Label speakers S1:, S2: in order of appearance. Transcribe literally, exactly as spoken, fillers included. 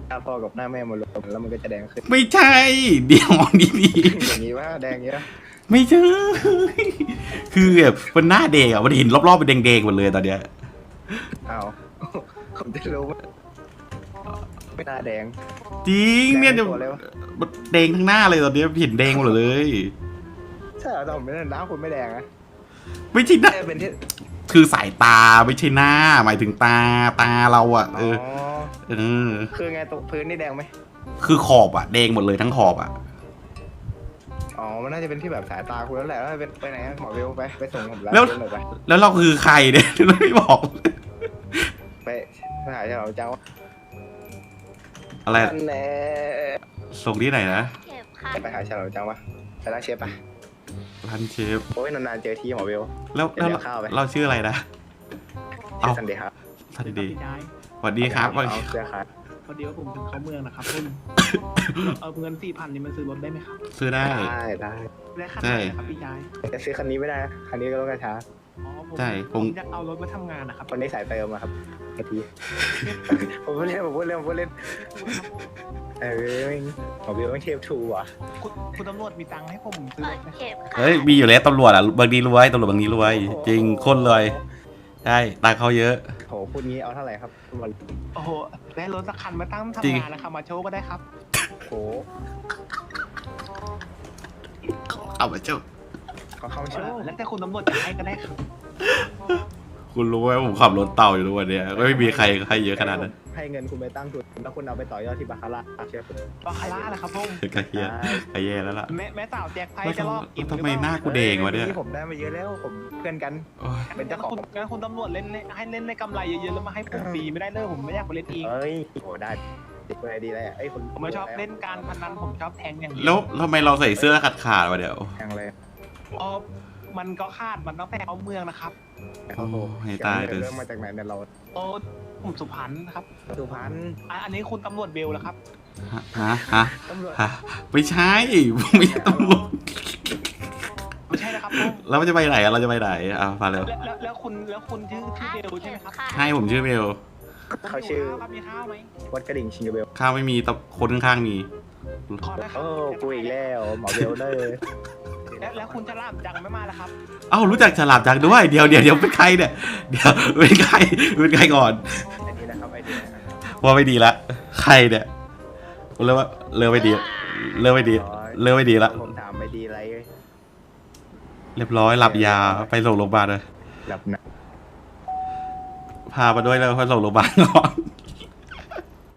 S1: หน้าพ่อกับหน้าแม่มารวมแล้วมันก็จะแดงขึ้น
S2: ไม่ใช่เดี๋ยวมองดี
S1: อย่างนี้ว่าแดงเงี้ย
S2: ๆไม่ใช่คือแบบมันหน้าแดงอ่ะมันเห็นรอบๆเป็นแดงๆหมดเลยตอนเนี้ย
S1: อ้าวผมจะรู้ว่าไม่หน้าแดง
S2: จริงเนี่ยจะแดงทั้งหน้าเลยตอนนี้เห็นแดงหมดเลย
S1: ใช่เหรอแต่ผมไม่ได้น้ำคุณไม่แดงนะ
S2: ไม่ใช่หน้า
S1: เป็นที่
S2: คือสายตาไม่ใช่หน้าหมายถึงตาตาเราอ่ะเออเออ
S1: คือไงตรงพื้นนี่แดงไหม
S2: คือขอบอ่ะแดงหมดเลยทั้งขอบอ่ะ
S1: อ๋อมันน่าจะเป็นที่แบบสายตาคุณแล้วแหละแล้วเป็นไปไหนหมอเวลไปไปส่งผมแล้วไป
S2: แล้วเราคือใครเนี่ยเราไม่บอก
S1: ไปไปหาเจ้าเจ้า
S2: อะไรส่งที่ไหนนะ
S1: ไปหาเจ้าเจ้าวะไปร้านเชฟปะ
S2: ร้านเชฟ
S1: โอ้ยนานๆเจอทีหมอเวล
S2: แล้วแล้วเราชื่ออะไรนะ
S1: เอาสันเดย์ครับ
S2: สันเดย์สวัสดีครับ
S1: วันนี้เสื้อขาด
S3: พอดีว่าผมถึงเขาเมืองนะครับคุณเอาเงินสี่พันนี่มันซื้อรถได้ไหมครับ
S2: ซื้อได้
S1: ได้ได้
S3: ได้คันไหนครับพี่ชาย
S1: จะซื้อคันนี้ไม่ได้คันนี้ก็ต้องกระช้า
S2: ใช่
S3: ผมจะเอารถมาทำงานนะครับ
S1: คนนี้สายเติมอะครับไอทีผมพูดเล่นผมพูดเล่นผมพูดเล่นเออผมวิวต้องเชฟทูอ่ะ
S3: คุณคุณตำรวจมีตังค์ให้ผมซื้อรถไหม
S2: เฮ้ยมีอยู่แล้วตำรวจอ่ะบางทีรวยตำรวจบางทีรวยจริงคนรวยใช่ตังค์เขาเยอะ
S1: โหพูดงี้เอาเท่าไหร่ครับ
S3: โอ้โหได้รถสักคันมาตั้งทำงานนะครับมาโชว์ก็ได้ครับ
S1: โห
S2: เอามาโชว์
S1: เขาเข้าโชว์
S3: แล้วแต่คุณตำรวจจะให้ก็ได้ครับ
S2: คุณรู้ไหมผมขับรถเต่าอยู่ทุกวันนี้ก็ไม่มีใครให้เยอะขนาดนั้น
S1: ให้เงินคุณไปตั้งทุนแล้วคุณเอาไปต่อยอดที่บาคาร่าเชื่อผม
S3: บาคาร่าแหละครับพ่อ
S2: กระเทียกระเยแล้วล่ะ
S3: แม่แม่สาวแจ็คไพ่จะรอบ
S2: ทำไมหน้ากูแดงวะเนี่ย
S1: ผมได้มาเยอะแล้วผมเพื่อนกันเป็นเจ้าของ
S3: งั้นคุณตำรวจเล่นให้เล่นในกำไรเยอะๆแล้วมาให้ผมฟรีไม่ได้เลยผมไม่อยากไปเล่นเอง
S1: เฮ้ยโหได้ติดไปดีเลยไอ้คน
S3: ผมไม่ชอบเล่นการพนันผมชอบแทงอย่าง
S2: นี้แล้วทำไมเราใส่เสื้อขาดขาดวะเดี๋ยว
S1: แทงเลย
S3: อ๋อมันก็คาดมันต้องแต่เอาเมืองนะครับ
S2: โอ้ให้ตายเลย
S1: เรื่องมาจากไหนเนี่ยเรา
S3: โอ้ผมสุพรรณครับ
S1: สุพรรณ
S3: อันนี้คุณตำรวจเบลแล้วครับ
S2: ฮะฮะฮะไม่ใช่ไม่ใช่ตำรวจ
S3: ไม่ใช่นะครับ
S2: แล้วมันจะไปไหนเราจะไปไหนอ่ะมาเร็ว
S3: แล้วแล้วคุณแล้วคุณชื่อชื่อเบลใช่ไหมครับ
S2: ใช่ผมชื่อเบล
S1: เขาชื่อ
S3: มีข้าวไหม
S1: วัดกระดิ่งชิงเบล
S2: ข้าวไม่มีแต่คนข้างๆมี
S1: โอ้กูอีกแล้วหมอเบลเลย
S3: แล้วคุณฉลามจังไม่มาแล้วครับ
S2: เอ้ารู้จักฉลามจังด้วยเดี๋ยวเดี๋ยวเดี๋ยวเป็นใครเนี่ยเดี๋ยวเป็นใครเป็นใครก่อน
S1: ไอ้นี่นะครับไอ้นี่
S2: ว่าไม่ดีละใครเนี่ยเลิกว่าเลิกไม่ดีเลิกไม่ดีเลิกไม่ดีละ
S1: ผมถามไม่ดีอะไร
S2: เรียบร้อยหลับยาไปส่งโรงพยาบาลเลย
S1: หลับนะ
S2: พามาด้วยแล้วไปส่งโรงพยาบาลก่อน